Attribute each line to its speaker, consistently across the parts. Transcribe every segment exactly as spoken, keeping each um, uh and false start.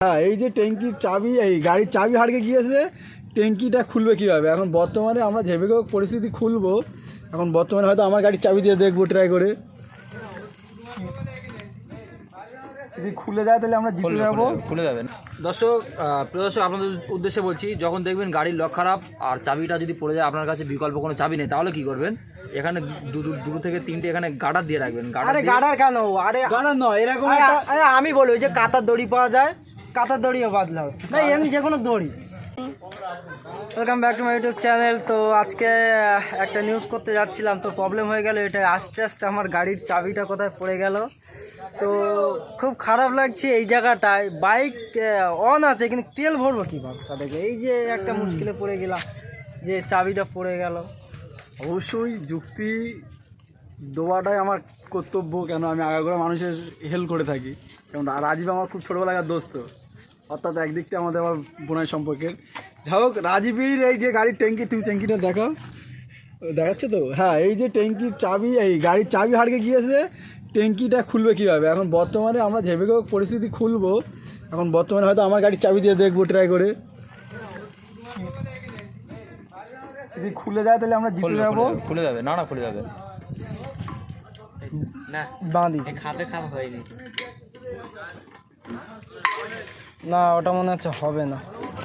Speaker 1: হ্যাঁ, এই যে ট্যাঙ্কির চাবি, এই গাড়ির চাবি হারিয়ে গিয়েছে, ট্যাঙ্কিটা খুলবে কীভাবে? এখন বর্তমানে আমরা যেভাবে হোক পরিস্থিতি খুলবো। এখন বর্তমানে হয়তো আমার গাড়ির চাবি দিয়ে দেখবো ট্রাই করে, যদি খুলে যায় তাহলে আমরা জিতে যাবো।
Speaker 2: খুলে যাবেন। দর্শক, প্রিয় দর্শক, আপনাদের উদ্দেশ্যে বলছি, যখন দেখবেন গাড়ির লক খারাপ আর চাবিটা যদি পড়ে যায়, আপনার কাছে বিকল্প কোনো চাবি নেই, তাহলে কি করবেন? এখানে দুটো থেকে তিনটে এখানে গার্ডার দিয়ে রাখবেন।
Speaker 3: আরে গার্ডার কেন? আরে
Speaker 1: গাড়ার নয়, এরকম
Speaker 3: আরে আমি বলি ওই যে কাতার দড়ি পাওয়া যায়, কাতার দড়িও বাদলাও না, এমনি যে কোনো দড়ি। Welcome back to my YouTube channel. তো আজকে একটা নিউজ করতে যাচ্ছিলাম, তো প্রবলেম হয়ে গেল। এটা আস্তে আস্তে আমার গাড়ির চাবিটা কোথায় পড়ে গেল, তো খুব খারাপ লাগছে এই জায়গাটায়। বাইক অন আছে কিন্তু তেল ভরবো কীভাবে তাদেরকে? এই যে একটা মুশকিলে পড়ে গেলাম যে চাবিটা পড়ে গেল।
Speaker 1: অবশ্যই যুক্তি দেওয়াটাই আমার কর্তব্য, কেন আমি আগাগোড়া মানুষের হেল্প করে থাকি। যেমন রাজীব আমার খুব ছোটোবেলাকার দোস্ত, অর্থাৎ একদিক থেকে আমাদের আমার বোনের সম্পর্কের। যাই হোক, রাজীবের এই যে গাড়ির ট্যাঙ্কি, তুমি ট্যাঙ্কিটা দেখাও, দেখাচ্ছে তো? হ্যাঁ, এই যে ট্যাঙ্কির চাবি, এই গাড়ির চাবি হারিয়ে গিয়েছে, ট্যাঙ্কিটা খুলবে কীভাবে? এখন বর্তমানে আমরা যেভাবে হোক পরিস্থিতি খুলবো। এখন বর্তমানে হয়তো আমার গাড়ির চাবি দিয়ে দেখবো ট্রাই করে, যদি খুলে যায় তাহলে আমরা জিতে যাবো।
Speaker 2: খুলে যাবে না? না খুলে যাবে না,
Speaker 3: বাঁধি
Speaker 2: খাপে খাপ হয়নি
Speaker 3: না, ওটা মনে হচ্ছে হবে না।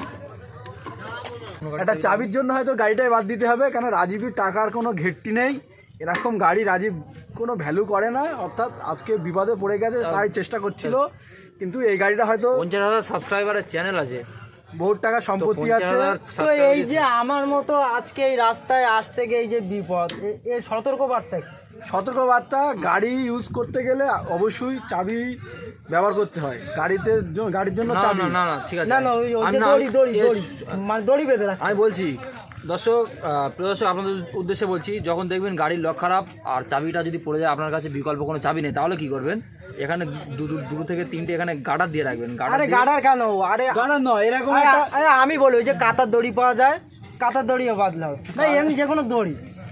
Speaker 1: একটা চাবির জন্য হয়তো গাড়িটাই বাদ দিতে হবে, কেন রাজীবের টাকার কোনো ঘেটতি নেই। এরকম গাড়ি রাজীব কোনো ভ্যালু করে না, অর্থাৎ আজকে বিপদে পড়ে গেছে তাই চেষ্টা করছিল, কিন্তু এই গাড়িটা হয়তো
Speaker 2: পঞ্চাশ হাজার সাবস্ক্রাইবারের চ্যানেল আছে,
Speaker 1: বহুত টাকা সম্পত্তি আছে।
Speaker 3: তো এই যে আমার মতো আজকে এই রাস্তায় আসতে গিয়ে এই যে বিপদ, এর সতর্ক বার্তা কি?
Speaker 1: সতর্কবার্তা, গাড়ি ইউজ করতে গেলে অবশ্যই চাবি ব্যবহার করতে হয়। গাড়িতে গাড়ির জন্য চাবি
Speaker 2: না না ঠিক আছে
Speaker 3: না না, ওই যে দড়ি দড়ি দড়ি মানে দড়ি বেঁধে রাখ।
Speaker 2: আমি বলছি দর্শক, প্রিয় দর্শক, আপনাদের উদ্দেশ্যে বলছি, যখন দেখবেন গাড়ির লক খারাপ আর চাবিটা যদি পড়ে যায়, আপনার কাছে বিকল্প কোনো চাবি নেই, তাহলে কি করবেন? এখানে দুটো থেকে তিনটে এখানে গার্ডার দিয়ে রাখবেন।
Speaker 3: আরে গার্ডার কেন? আরে
Speaker 1: গাড়ার নয়, এরকম
Speaker 3: আরে আমি বলি ওই যে কাতার দড়ি পাওয়া যায়, কাতার দড়িও বাদলাও না, এমনি যে কোনো দড়ি।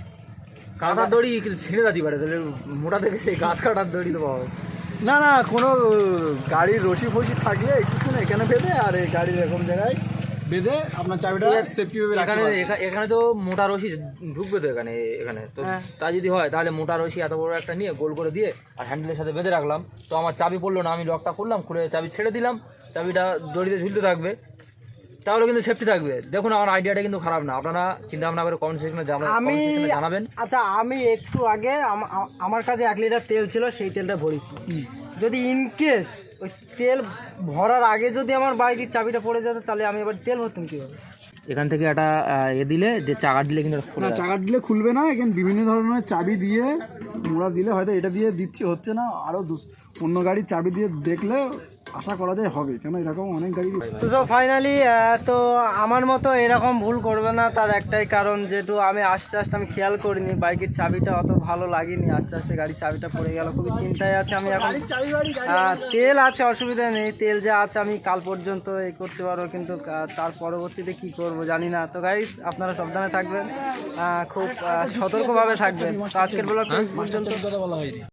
Speaker 2: কাঁটার দড়ি ছিঁড়ে যাতে পারে, তাহলে মোটা থেকে সেই গাছ কাটার দড়ি তো পাওয়া।
Speaker 1: না না, কোনো গাড়ির রশি ফসি থাকলে কিছু না, এখানে বেঁধে আর এই গাড়ির এরকম জায়গায় বেঁধে আপনার চাবিটা সেফটি ভাবে
Speaker 2: এখানে এখানে তো মোটা রশি ঢুকবে তো এখানে এখানে তো, তা যদি হয় তাহলে মোটা রশি এত বড় একটা নিয়ে গোল করে দিয়ে আর হ্যান্ডেলের সাথে বেঁধে রাখলাম, তো আমার চাবি পড়লো না, আমি লকটা খুললাম, খুলে চাবি ছেড়ে দিলাম, চাবিটা দড়িতে ঝুলতে থাকবে, তাহলে কিন্তু সেফটি থাকবে। দেখুন, আমার আইডিয়াটা কিন্তু খারাপ না, আপনারা চিন্তা ভাবনা করে কমেন্ট সেকশনে
Speaker 3: আমি
Speaker 2: জানাবেন।
Speaker 3: আচ্ছা, আমি একটু আগে আমার কাছে এক লিটার তেল ছিল, সেই তেলটা ভরেছি। যদি ইনকেস ওই তেল ভরার আগে যদি আমার বাইকের চাবিটা পড়ে যেত, তাহলে আমি এবার তেল ভরতাম কীভাবে?
Speaker 2: এখান থেকে একটা এ দিলে, যে চাকা দিলে কিন্তু
Speaker 1: না, চাকা দিলে খুলবে না। এখানে বিভিন্ন ধরনের চাবি দিয়ে মোড়া দিলে হয়তো এটা দিয়ে দিচ্ছি, হচ্ছে না, আরও অন্য গাড়ির চাবি দিয়ে দেখলে আশা করা যায় হবে, কেন এরকম অনেক গাড়ি।
Speaker 3: তো সব ফাইনালি, তো আমার মতো এরকম ভুল করবে না, তার একটাই কারণ, যেহেতু আমি আস্তে আস্তে আমি খেয়াল করিনি, বাইকের চাবিটা অত ভালো লাগেনি, আস্তে আস্তে গাড়ির চাবিটা পড়ে গেল, খুবই চিন্তায় আছে আমি এখন। তেল আছে, অসুবিধা নেই, তেল যা আছে আমি কাল পর্যন্ত এই করতে পারবো, কিন্তু তার পরবর্তীতে কি করব জানি না। তো গাইস, আপনারা সাবধানে থাকবেন, খুব সতর্কভাবে থাকবেন। তো আজকের ব্লগ পর্যন্ত।